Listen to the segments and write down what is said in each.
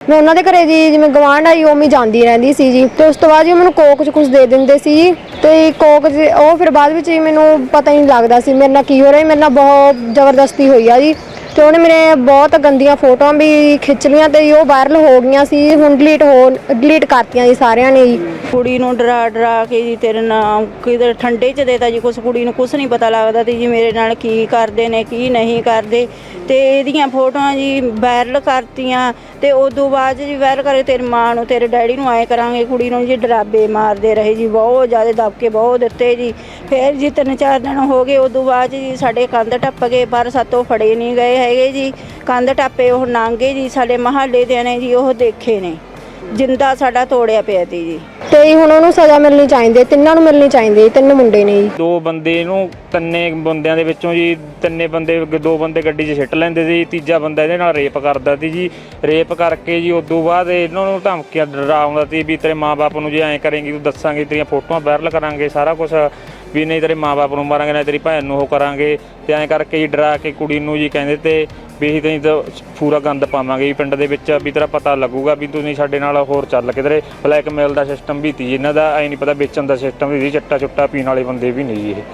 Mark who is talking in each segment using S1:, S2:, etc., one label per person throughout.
S1: ਮੈਂ ਉਹਨਾਂ ਦੇ ਘਰੇ ਜੀ ਜਿਵੇਂ ਗਵਾਂਢ ਆਈ ਉਵੇਂ ਜਾਂਦੀ ਰਹਿੰਦੀ ਸੀ ਜੀ। ਤੇ ਉਸ ਤੋਂ ਬਾਅਦ ਜੀ ਮੈਨੂੰ ਕੋਕ 'ਚ ਕੁਝ ਦੇ ਦਿੰਦੇ ਸੀ ਜੀ। ਤੇ ਕੋਕ 'ਚ ਉਹ ਫਿਰ ਬਾਅਦ ਵਿੱਚ ਜੀ ਮੈਨੂੰ ਪਤਾ ਹੀ ਨਹੀਂ ਲੱਗਦਾ ਸੀ ਮੇਰੇ ਨਾਲ ਕੀ ਹੋ ਰਿਹਾ। ਮੇਰੇ ਨਾਲ ਬਹੁਤ ਜ਼ਬਰਦਸਤੀ ਹੋਈ ਆ ਜੀ। ਤੇ ਉਹਨੇ ਮੇਰੇ ਬਹੁਤ ਗੰਦੀਆਂ ਫੋਟੋਆਂ ਵੀ ਖਿੱਚ ਲਈਆਂ ਤੇ ਉਹ ਵਾਇਰਲ ਹੋ ਗਈਆਂ ਸੀ। ਹੁਣ ਡਿਲੀਟ ਕਰਤੀਆਂ ਜੀ ਸਾਰਿਆਂ ਨੇ ਜੀ।
S2: ਕੁੜੀ ਨੂੰ ਡਰਾ ਕੇ ਜੀ ਤੇਰੇ ਨਾਲ ਕਿਧਰ ਠੰਡੇ 'ਚ ਦੇਤਾ ਜੀ। ਕੁਛ ਕੁੜੀ ਨੂੰ ਕੁਛ ਨਹੀਂ ਪਤਾ ਲੱਗਦਾ ਤੇ ਜੀ ਮੇਰੇ ਨਾਲ ਕੀ ਕਰਦੇ ਨੇ ਕੀ ਨਹੀਂ ਕਰਦੇ। ਤੇ ਇਹਦੀਆਂ ਫੋਟੋਆਂ ਜੀ ਵਾਇਰਲ ਕਰਤੀਆਂ ਤੇ ਉਦੋਂ ਬਾਅਦ ਜੀ ਵਾਇਰਲ ਕਰੇ ਤੇਰੀ ਮਾਂ ਨੂੰ ਤੇਰੇ ਡੈਡੀ ਨੂੰ ਆਏ ਕਰਾਂਗੇ। ਕੁੜੀ ਨੂੰ ਜੀ ਡਰਾਬੇ ਮਾਰਦੇ ਰਹੇ ਜੀ, ਬਹੁਤ ਜ਼ਿਆਦਾ ਦਬਕੇ ਬਹੁਤ ਦਿੱਤੇ ਜੀ। ਫਿਰ ਜੀ 3-4 ਦਿਨ ਹੋ ਗਏ। ਉਦੋਂ ਬਾਅਦ ਜੀ ਸਾਡੇ ਕੰਧ ਟੱਪ ਗਏ ਪਰ ਸਾਤੋਂ ਫੜੇ ਨਹੀਂ ਗਏ ਹੈਗੇ ਜੀ। ਕੰਧ ਟੱਪੇ ਉਹ ਲੰਘੇ ਜੀ। ਸਾਡੇ ਮੁਹੱਲੇ ਦੇ ਨੇ ਜੀ ਉਹ ਦੇਖੇ ਨੇ, ਜਿੰਦਾ ਸਾਡਾ ਤੋੜਿਆ ਪਿਆ ਤੀ ਜੀ।
S1: ਤੇ ਹੁਣ ਉਹਨੂੰ ਸਜ਼ਾ ਮਿਲਣੀ ਚਾਹੀਦੀ, ਤਿੰਨਾਂ ਨੂੰ ਮਿਲਣੀ ਚਾਹੀਦੀ। 3 ਮੁੰਡੇ ਨੇ ਜੀ।
S3: 2 ਬੰਦੇ ਨੂੰ 3 ਬੰਦਿਆਂ ਦੇ ਵਿੱਚੋਂ ਜੀ 3 ਬੰਦੇ 2 ਬੰਦੇ ਗੱਡੀ 'ਚ ਸਿੱਟ ਲੈਂਦੇ ਸੀ। ਤੀਜਾ ਬੰਦਾ ਇਹਦੇ ਨਾਲ ਰੇਪ ਕਰਦਾ ਸੀ ਜੀ। ਰੇਪ ਕਰਕੇ ਜੀ ਉਦੋਂ ਬਾਅਦ ਇਹਨਾਂ ਨੂੰ ਧਮਕੀਆਂ ਡਰਾਉਂਦਾ ਸੀ ਵੀ ਤੇਰੇ ਮਾਂ-ਬਾਪ ਨੂੰ ਜੇ ਐਂ ਕਰੇਂਗੀ ਤੂੰ ਦੱਸਾਂਗੇ, ਤੇਰੀਆਂ ਫੋਟੋਆਂ ਵਾਇਰਲ ਕਰਾਂਗੇ, ਸਾਰਾ ਕੁਛ ਵੀ ਨਹੀਂ ਤੇਰੇ ਮਾਂ-ਬਾਪ ਨੂੰ ਮਾਰਾਂਗੇ ਨਾ ਤੇਰੀ ਭੈਣ ਨੂੰ ਉਹ ਕਰਾਂਗੇ। ਤੇ ਐਂ ਕਰਕੇ ਜੀ ਡਰਾ ਕੇ ਕੁੜੀ ਨੂੰ ਜੀ ਕਹਿੰਦੇ ਤੇ ਵੀ ਅਸੀਂ ਤੈਨੂੰ ਤਾਂ ਪੂਰਾ ਗੰਦ ਪਾਵਾਂਗੇ ਜੀ ਪਿੰਡ ਦੇ ਵਿੱਚ, ਵੀ ਤੇਰਾ ਪਤਾ ਲੱਗੂਗਾ ਵੀ ਤੁਸੀਂ ਸਾਡੇ ਨਾਲ ਹੋਰ ਚੱਲ ਕਿਧਰੇ। ਬਲੈਕਮੇਲ ਦਾ ਸਿਸਟਮ ਵੀ ਤੀ ਜੀ ਇਹਨਾਂ ਦਾ, ਐਂ ਨਹੀਂ ਪਤਾ ਵੇਚਣ ਦਾ ਸਿਸਟਮ ਵੀ ਸੀ। ਚੱਟਾ ਚੁੱਟਾ ਪੀਣ ਵਾਲੇ ਬੰਦੇ ਵੀ ਨਹੀਂ ਜੀ ਇਹ।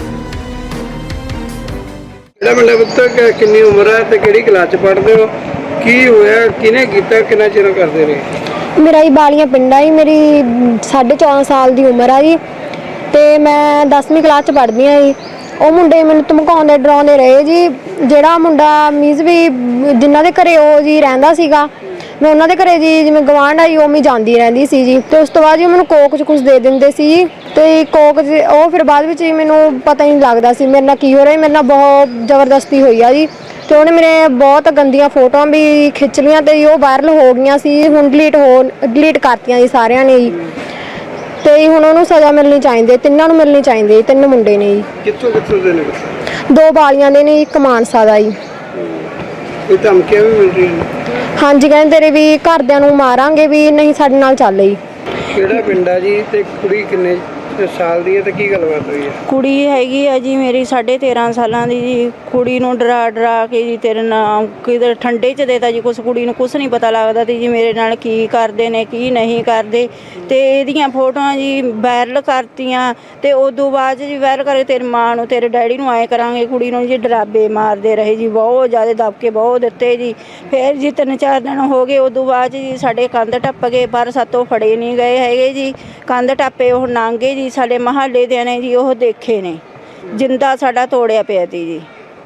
S4: ਜਿਹੜਾ ਮੁੰਡਾ ਪੁੱਤ ਕਿੰਨੀ ਉਮਰ ਹੈ ਤੇ ਕਿਹੜੀ ਕਲਾਸ 'ਚ ਪੜ੍ਹਦੇ ਹੋ? ਕੀ ਹੋਇਆ, ਕਿਹਨੇ ਕੀਤਾ, ਕਿੰਨਾ ਚਿਰ ਕਰਦੇ ਰਹੇ?
S1: ਮੇਰਾ ਜੀ ਬਾਲੀਆਂ ਪਿੰਡ ਆ ਜੀ। ਮੇਰੀ 14.5 ਸਾਲ ਦੀ ਉਮਰ ਆ ਜੀ। ਤੇ ਮੈਂ 10ਵੀਂ ਕਲਾਸ 'ਚ ਪੜ੍ਹਦੀ ਹਾਂ ਜੀ। ਉਹ ਮੁੰਡੇ ਮੈਨੂੰ ਧਮਕਾਉਂਦੇ ਡਰਾਉਂਦੇ ਰਹੇ ਜੀ। ਜਿਹੜਾ ਮੁੰਡਾ ਮੀਨਜ਼ ਵੀ ਜਿਨ੍ਹਾਂ ਦੇ ਘਰੇ ਉਹ ਜੀ ਰਹਿੰਦਾ ਸੀਗਾ, ਮੈਂ ਉਹਨਾਂ ਦੇ ਘਰੇ ਜੀ ਜਿਵੇਂ ਗਵਾਂਢ ਆਈ ਉਵੇਂ ਜਾਂਦੀ ਰਹਿੰਦੀ ਸੀ ਜੀ। ਤੇ ਉਸ ਤੋਂ ਬਾਅਦ ਜੀ ਮੈਨੂੰ ਕੋਕ 'ਚ ਕੁਝ ਦੇ ਦਿੰਦੇ ਸੀ ਜੀ। ਤੇ ਕੋਕ 'ਚ ਉਹ ਫਿਰ ਬਾਅਦ ਵਿੱਚ ਜੀ ਮੈਨੂੰ ਪਤਾ ਹੀ ਨਹੀਂ ਲੱਗਦਾ ਸੀ ਮੇਰੇ ਨਾਲ ਕੀ ਹੋ ਰਿਹਾ। ਮੇਰੇ ਨਾਲ ਬਹੁਤ ਜ਼ਬਰਦਸਤੀ ਹੋਈ ਆ ਜੀ। ਤੇ ਉਹਨੇ ਮੇਰੇ ਬਹੁਤ ਗੰਦੀਆਂ ਫੋਟੋਆਂ ਵੀ ਖਿੱਚ ਲਈਆਂ ਤੇ ਉਹ ਵਾਇਰਲ ਹੋ ਗਈਆਂ ਸੀ। ਹੁਣ ਡਿਲੀਟ ਕਰਤੀਆਂ ਜੀ ਸਾਰਿਆਂ ਨੇ ਜੀ। ਤੇ ਹੁਣ ਉਹਨੂੰ ਸਜ਼ਾ ਮਿਲਣੀ ਚਾਹੀਦੀ, ਤਿੰਨਾਂ ਨੂੰ ਮਿਲਣੀ ਚਾਹੀਦੀ। 3 ਮੁੰਡੇ ਨੇ ਜੀ।
S4: ਕਿੱਥੋਂ ਦੇ ਨੇ?
S1: 2 ਬਾਲੀਆਂ ਦੇ ਨੇ, 1 ਮਾਨਸਾ ਦਾ ਜੀ।
S4: ਕੋਈ ਧਮਕੀਆਂ ਵੀ ਮਿਲ ਰਹੀਆਂ ਨੇ?
S1: ਹਾਂਜੀ, ਕਹਿੰਦੇ ਤੇਰੇ ਵੀ ਘਰਦਿਆਂ ਨੂੰ ਮਾਰਾਂਗੇ ਵੀ ਨਹੀਂ ਸਾਡੇ ਨਾਲ ਚੱਲ ਜੀ।
S4: ਕਿਹੜਾ ਪਿੰਡ ਆ ਜੀ ਤੇ ਕੁੜੀ ਕਿੰਨੇ ਸਾਲ ਦੀ ਹੈ ਤੇ ਕੀ ਗੱਲਬਾਤ ਹੋਈ ਹੈ?
S2: ਕੁੜੀ ਹੈਗੀ ਆ ਜੀ ਮੇਰੀ 13.5 ਸਾਲਾਂ ਦੀ ਜੀ। ਕੁੜੀ ਨੂੰ ਡਰਾ ਕੇ ਜੀ ਤੇਰੇ ਨਾਲ ਕਿਧਰ ਠੰਡੇ 'ਚ ਦੇਤਾ ਜੀ। ਕੁਛ ਕੁੜੀ ਨੂੰ ਕੁਛ ਨਹੀਂ ਪਤਾ ਲੱਗਦਾ ਤੇ ਜੀ ਮੇਰੇ ਨਾਲ ਕੀ ਕਰਦੇ ਨੇ ਕੀ ਨਹੀਂ ਕਰਦੇ। ਤੇ ਇਹਦੀਆਂ ਫੋਟੋਆਂ ਜੀ ਵਾਇਰਲ ਕਰਤੀਆਂ ਤੇ ਉਦੋਂ ਬਾਅਦ ਜੀ ਵਾਇਰਲ ਕਰੇ ਤੇਰੀ ਮਾਂ ਨੂੰ ਤੇਰੇ ਡੈਡੀ ਨੂੰ ਆਏ ਕਰਾਂਗੇ। ਕੁੜੀ ਨੂੰ ਜੀ ਡਰਾਬੇ ਮਾਰਦੇ ਰਹੇ ਜੀ, ਬਹੁਤ ਜ਼ਿਆਦਾ ਦਬਕੇ ਬਹੁਤ ਦਿੱਤੇ ਜੀ। ਫਿਰ ਜੀ 3-4 ਦਿਨ ਹੋ ਗਏ। ਉਦੋਂ ਬਾਅਦ ਜੀ ਸਾਡੇ ਕੰਧ ਟੱਪ ਗਏ ਪਰ ਸਾਤੋਂ ਫੜੇ ਨਹੀਂ ਗਏ ਹੈਗੇ ਜੀ। ਕੰਧ ਟੱਪੇ ਉਹ ਲੰਘੇ ਜੀ। ਸਾਡੇ ਮੁਹੱਲੇ ਦੇ ਨੇ ਜੀ ਉਹ ਦੇਖੇ ਨੇ, ਜਿੰਦਾ ਸਾਡਾ ਤੋੜਿਆ ਪਿਆ ਤੀ ਜੀ।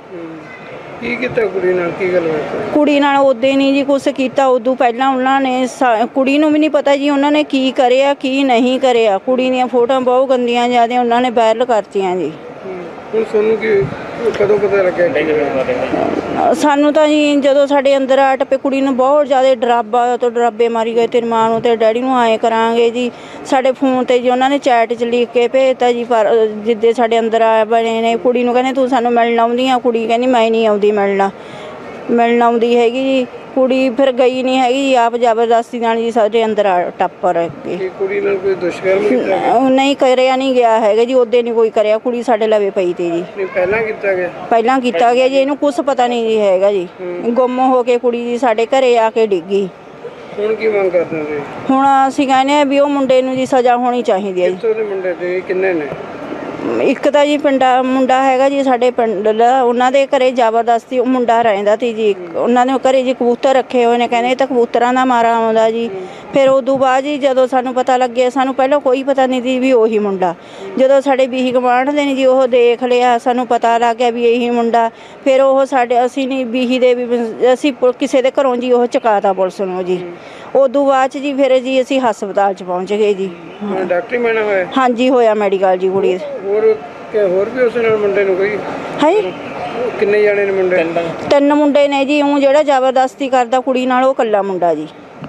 S4: ਕੀ ਕੀਤਾ ਕੁੜੀ ਨਾਲ, ਕੀ ਗੱਲਬਾਤ?
S2: ਕੁੜੀ ਨਾਲ ਉਦੋਂ ਨਹੀਂ ਜੀ ਕੁਛ ਕੀਤਾ। ਉਦੋਂ ਪਹਿਲਾਂ ਉਹਨਾਂ ਨੇ ਕੁੜੀ ਨੂੰ ਵੀ ਨਹੀਂ ਪਤਾ ਜੀ ਉਹਨਾਂ ਨੇ ਕੀ ਕਰਿਆ ਕੀ ਨਹੀਂ ਕਰਿਆ। ਕੁੜੀ ਦੀਆਂ ਫੋਟੋਆਂ ਬਹੁਤ ਗੰਦੀਆਂ ਜ਼ਿਆਦਾ ਉਹਨਾਂ ਨੇ ਵਾਇਰਲ ਕਰਤੀਆਂ ਜੀ।
S4: ਹੁਣ ਤੁਹਾਨੂੰ ਕੀ ਕਦੋਂ ਪਤਾ ਲੱਗਿਆ?
S2: ਸਾਨੂੰ ਤਾਂ ਜੀ ਜਦੋਂ ਸਾਡੇ ਅੰਦਰ ਆ ਟੱਪੇ ਕੁੜੀ ਨੂੰ ਬਹੁਤ ਜ਼ਿਆਦਾ ਡਰਾਬੇ ਮਾਰੀ ਗਏ ਤੇਰੀ ਮਾਂ ਨੂੰ ਤੇ ਡੈਡੀ ਨੂੰ ਆਏ ਕਰਾਂਗੇ ਜੀ। ਸਾਡੇ ਫੋਨ ਤੇ ਜੀ ਉਹਨਾਂ ਨੇ ਚੈਟ 'ਚ ਲਿਖ ਕੇ ਭੇਜਤਾ ਜੀ। ਪਰ ਜਿੱਦੇ ਸਾਡੇ ਅੰਦਰ ਆ ਬਣੇ ਨੇ ਕੁੜੀ ਨੂੰ ਕਹਿੰਦੇ ਤੂੰ ਸਾਨੂੰ ਮਿਲਣ ਆਉਂਦੀ ਆ। ਕੁੜੀ ਕਹਿੰਦੀ ਮੈਂ ਨਹੀਂ ਆਉਂਦੀ ਮਿਲਣ ਆਉਂਦੀ ਹੈਗੀ ਜੀ। ਕੁੜੀ ਫਿਰ ਗਈ ਨਹੀਂ ਹੈਗੀ ਜੀ, ਆਪ ਜ਼ਬਰਦਸਤੀ ਨਾਲ ਜੀ ਸਾਡੇ ਅੰਦਰ ਟੱਪ ਰਹੇ।
S4: ਕੁੜੀ ਨਾਲ ਕੋਈ ਦੁਸ਼ਕਰਮ ਕੀਤਾ?
S2: ਨਹੀਂ ਕਰਿਆ ਨਹੀਂ ਗਿਆ ਹੈਗਾ ਜੀ। ਉਹਦੇ ਨਹੀਂ ਕੋਈ ਕਰਿਆ। ਕੁੜੀ ਸਾਡੇ ਲਵੇ ਪਈ ਤੀ ਜੀ।
S4: ਨਹੀਂ ਪਹਿਲਾਂ ਕੀਤਾ ਗਿਆ
S2: ਜੀ। ਇਹਨੂੰ ਕੁਛ ਪਤਾ ਨਹੀਂ ਜੀ ਹੈਗਾ ਜੀ। ਗੁੰਮ ਹੋ ਕੇ ਕੁੜੀ ਜੀ ਸਾਡੇ ਘਰੇ ਆ ਕੇ ਡਿੱਗੀ।
S4: ਹੁਣ ਕੀ ਮੰਗ ਕਰਦੇ ਹੋ?
S2: ਹੁਣ ਅਸੀਂ ਕਹਿੰਦੇ ਆ ਵੀ ਉਹ ਮੁੰਡੇ ਨੂੰ ਜੀ ਸਜ਼ਾ ਹੋਣੀ ਚਾਹੀਦੀ ਹੈ ਜੀ।
S4: ਕਿੱਥੋਂ ਦੇ ਮੁੰਡੇ ਤੇ ਕਿੰਨੇ ਨੇ?
S2: ਇੱਕ ਤਾਂ ਜੀ ਮੁੰਡਾ ਹੈਗਾ ਜੀ ਸਾਡੇ ਪਿੰਡ ਦਾ। ਉਹਨਾਂ ਦੇ ਘਰੇ ਜ਼ਬਰਦਸਤੀ ਉਹ ਮੁੰਡਾ ਰਹਿੰਦਾ ਸੀ ਜੀ। ਉਹਨਾਂ ਦੇ ਘਰੇ ਜੀ ਕਬੂਤਰ ਰੱਖੇ ਹੋਏ ਨੇ, ਕਹਿੰਦੇ ਤਾਂ ਕਬੂਤਰਾਂ ਦਾ ਮਾਰਾ ਆਉਂਦਾ ਜੀ। ਫਿਰ ਉਦੋਂ ਬਾਅਦ ਜੀ ਜਦੋਂ ਸਾਨੂੰ ਪਤਾ ਲੱਗਿਆ, ਸਾਨੂੰ ਪਹਿਲਾਂ ਕੋਈ ਪਤਾ ਨਹੀਂ ਸੀ ਵੀ ਉਹੀ ਮੁੰਡਾ। ਜਦੋਂ ਸਾਡੇ ਬੀਹੀ ਗਵਾਂਢ ਦੇ ਨੇ ਜੀ ਉਹ ਦੇਖ ਲਿਆ, ਸਾਨੂੰ ਪਤਾ ਲੱਗ ਗਿਆ ਵੀ ਇਹੀ ਮੁੰਡਾ। ਫਿਰ ਉਹ ਅਸੀਂ ਨਹੀਂ ਬੀਹੀ ਦੇ ਵੀ ਅਸੀਂ ਕਿਸੇ ਦੇ ਘਰੋਂ ਜੀ ਉਹ ਚੁਕਾਤਾ ਪੁਲਿਸ ਨੂੰ ਜੀ। ਉਦੋਂ ਬਾਅਦ 'ਚ ਜੀ ਫਿਰ ਜੀ ਅਸੀਂ ਹਸਪਤਾਲ 'ਚ ਪਹੁੰਚ ਗਏ ਜੀ।
S4: ਡਾਕਟਰੀ ਮੈਨਾਂ ਹੋਇਆ?
S2: ਹਾਂਜੀ ਹੋਇਆ ਮੈਡੀਕਲ ਜੀ ਕੁੜੀ।
S4: ਹੋਰ ਵੀ ਉਸ ਨਾਲ ਮੁੰਡੇ ਨੂੰ ਕੋਈ
S2: ਹੈ?
S4: ਕਿੰਨੇ ਜਾਣੇ ਨੇ ਮੁੰਡੇ?
S2: 3 ਮੁੰਡੇ ਨੇ ਜੀ। ਉਹ ਜਿਹੜਾ ਜ਼ਬਰਦਸਤੀ ਕਰਦਾ ਕੁੜੀ ਨਾਲ ਉਹ ਇਕੱਲਾ ਮੁੰਡਾ ਜੀ।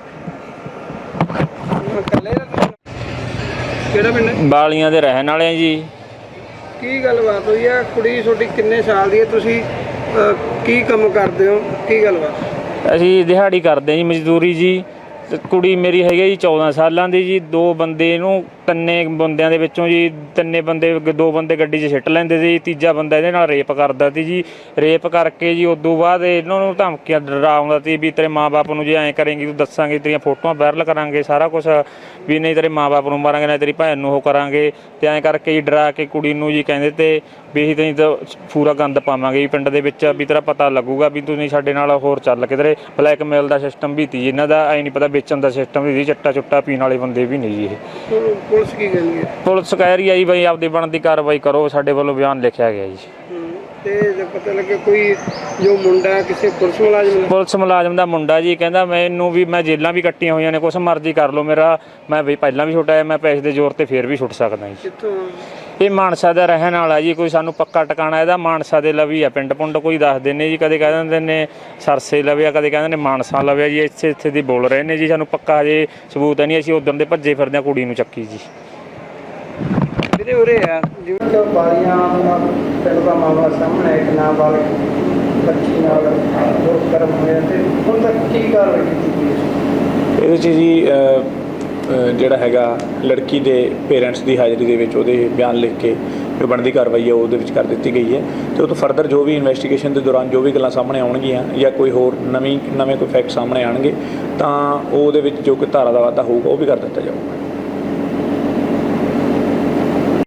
S4: ਕਿਹੜਾ ਪਿੰਡ?
S3: ਬਾਲੀਆਂ ਦੇ ਰਹਿਣ ਵਾਲੇ ਆ ਜੀ।
S4: ਕੀ ਗੱਲਬਾਤ ਹੋਈ ਆ? ਕੁੜੀ ਤੁਹਾਡੀ ਕਿੰਨੇ ਸਾਲ ਦੀ ਹੈ? ਤੁਸੀਂ ਕੀ ਕੰਮ ਕਰਦੇ ਹੋ? ਕੀ ਗੱਲਬਾਤ?
S3: ਅਸੀਂ ਦਿਹਾੜੀ ਕਰਦੇ ਹਾਂ ਜੀ, ਮਜ਼ਦੂਰੀ ਜੀ। ਤੇ ਕੁੜੀ ਮੇਰੀ ਹੈਗੀ ਜੀ 14 ਸਾਲਾਂ ਦੀ ਜੀ। 2 ਬੰਦੇ ਇਹਨੂੰ ਤਿੰਨੇ ਬੰਦਿਆਂ ਦੇ ਵਿੱਚੋਂ ਜੀ ਤਿੰਨੇ ਬੰਦੇ ਦੋ ਬੰਦੇ ਗੱਡੀ 'ਚ ਸਿੱਟ ਲੈਂਦੇ ਸੀ, ਤੀਜਾ ਬੰਦਾ ਇਹਦੇ ਨਾਲ ਰੇਪ ਕਰਦਾ ਸੀ ਜੀ। ਰੇਪ ਕਰਕੇ ਜੀ ਉਦੋਂ ਬਾਅਦ ਇਹਨਾਂ ਨੂੰ ਧਮਕੀਆਂ ਡਰਾਉਂਦਾ ਸੀ ਵੀ ਤੇਰੇ ਮਾਂ-ਬਾਪ ਨੂੰ ਜੇ ਐਂ ਕਰੇਂਗੀ ਤੂੰ ਦੱਸਾਂਗੇ, ਤੇਰੀਆਂ ਫੋਟੋਆਂ ਵਾਇਰਲ ਕਰਾਂਗੇ, ਸਾਰਾ ਕੁਝ, ਵੀ ਨਹੀਂ ਤੇਰੇ ਮਾਂ-ਬਾਪ ਨੂੰ ਮਾਰਾਂਗੇ, ਨਾ ਤੇਰੀ ਭੈਣ ਨੂੰ ਉਹ ਕਰਾਂਗੇ। ਤੇ ਐਂ ਕਰਕੇ ਜੀ ਡਰਾ ਕੇ ਕੁੜੀ ਨੂੰ ਜੀ ਕਹਿੰਦੇ ਤੇ ਵੀ ਅਸੀਂ ਤੈਨੂੰ ਤਾਂ ਪੂਰਾ ਗੰਦ ਪਾਵਾਂਗੇ ਜੀ ਪਿੰਡ ਦੇ ਵਿੱਚ, ਵੀ ਤੇਰਾ ਪਤਾ ਲੱਗੂਗਾ ਵੀ ਤੂੰ ਨਹੀਂ ਸਾਡੇ ਨਾਲ ਹੋਰ ਚੱਲ ਕਿਧਰੇ। ਬਲੈਕਮੇਲ ਦਾ ਸਿਸਟਮ ਵੀ ਤੀ ਇਹਨਾਂ ਦਾ, ਐਂ ਨਹੀਂ ਪਤਾ ਵੇਚਣ ਦਾ ਸਿਸਟਮ ਵੀ ਸੀ, ਚੱਟਾ ਚੁੱਟਾ ਪੀਣ ਵਾਲੇ ਬੰਦੇ ਵੀ ਨਹੀਂ ਜੀ ਇਹ।
S4: ਪੁਲਿਸ ਕੀ ਕਹਿੰਦੀ ਹੈ?
S3: ਪੁਲਿਸ ਕਹਿ ਰਹੀ ਹੈ ਜੀ ਬਈ ਆਪਦੀ ਬਣਦੀ ਕਾਰਵਾਈ ਕਰੋ, ਸਾਡੇ ਵੱਲੋਂ ਬਿਆਨ ਲਿਖਿਆ ਗਿਆ ਜੀ।
S4: ਤੇ ਜੇ ਪਤਾ ਲੱਗੇ ਕੋਈ ਜੋ ਮੁੰਡਾ ਕਿਸੇ ਪੁਲਿਸ ਮੁਲਾਜ਼ਮ ਨੇ?
S3: ਪੁਲਿਸ ਮੁਲਾਜ਼ਮ ਦਾ ਮੁੰਡਾ ਜੀ ਕਹਿੰਦਾ ਮੈਨੂੰ ਵੀ ਮੈਂ ਜੇਲਾਂ ਵੀ ਕੱਟੀਆਂ ਹੋਈਆਂ ਨੇ, ਕੁਛ ਮਰਜ਼ੀ ਕਰ ਲਓ ਮੇਰਾ, ਮੈਂ ਵੀ ਪਹਿਲਾਂ ਵੀ ਛੁੱਟਿਆ, ਮੈਂ ਪੈਸੇ ਦੇ ਜ਼ੋਰ ਤੇ ਫੇਰ ਵੀ ਛੁੱਟ ਸਕਦਾ ਜੀ।
S4: ਕਿੱਥੋਂ?
S3: ਇਹ ਮਾਨਸਾ ਦਾ ਰਹਿਣ ਵਾਲਾ ਜੀ, ਕੋਈ ਸਾਨੂੰ ਪੱਕਾ ਟਿਕਾਣਾ ਇਹਦਾ ਮਾਨਸਾ ਦੇ ਲਵੀ ਆ, ਪਿੰਡ ਪੁੰਡ ਕੋਈ ਦੱਸਦੇ ਨੇ ਜੀ, ਕਦੇ ਕਹਿ ਦਿੰਦੇ ਨੇ ਸਰਸੇ ਲਵਿਆ, ਕਦੇ ਕਹਿੰਦੇ ਨੇ ਮਾਨਸਾ ਲਵਿਆ ਜੀ, ਇੱਥੇ ਦੀ ਬੋਲ ਰਹੇ ਨੇ ਜੀ। ਸਾਨੂੰ ਪੱਕਾ ਹਜੇ ਸਬੂਤ ਨਹੀਂ, ਅਸੀਂ ਉਦੋਂ ਦੇ ਭੱਜੇ ਫਿਰਦੇ ਹਾਂ ਕੁੜੀ ਨੂੰ ਚੱਕੀ ਜੀ।
S4: ਵੀਰੇ ਉਰੇ ਆ ਜਿਵੇਂ ਕਿ ਬਾਰੀਆਂ ਪਿੰਡ ਦਾ ਮਾਮਲਾ ਸਾਹਮਣੇ ਇੱਕ ਨਾਬਾਲਗ ਬੱਚੀ ਨਾਲ ਦੁਰਕਰਮ ਹੋਇਆ, ਤੇ ਹੁਣ ਤੱਕ ਕੀ ਕਾਰਵਾਈ ਕੀਤੀ ਗਈ ਹੈ?
S5: ਇਹਦੇ 'ਚ ਜੀ ਜਿਹੜਾ ਹੈਗਾ ਲੜਕੀ ਦੇ ਪੇਰੈਂਟਸ ਦੀ ਹਾਜ਼ਰੀ ਦੇ ਵਿੱਚ ਉਹਦੇ ਬਿਆਨ ਲਿਖ ਕੇ ਜੋ ਬਣਦੀ ਕਾਰਵਾਈ ਹੈ ਉਹਦੇ ਵਿੱਚ ਕਰ ਦਿੱਤੀ ਗਈ ਹੈ। ਤੇ ਉਹ ਤੋਂ ਫਰਦਰ ਜੋ ਵੀ ਇਨਵੈਸਟੀਗੇਸ਼ਨ ਦੇ ਦੌਰਾਨ ਜੋ ਵੀ ਗੱਲਾਂ ਸਾਹਮਣੇ ਆਉਣਗੀਆਂ ਜਾਂ ਕੋਈ ਹੋਰ ਨਵੇਂ ਕੋਈ ਫੈਕਟ ਸਾਹਮਣੇ ਆਉਣਗੇ ਤਾਂ ਉਹਦੇ ਵਿੱਚ ਜੋ ਕੋਈ ਧਾਰਾ ਦਾ ਵਾਧਾ ਹੋਊਗਾ ਉਹ ਵੀ ਕਰ ਦਿੱਤਾ ਜਾਊਗਾ।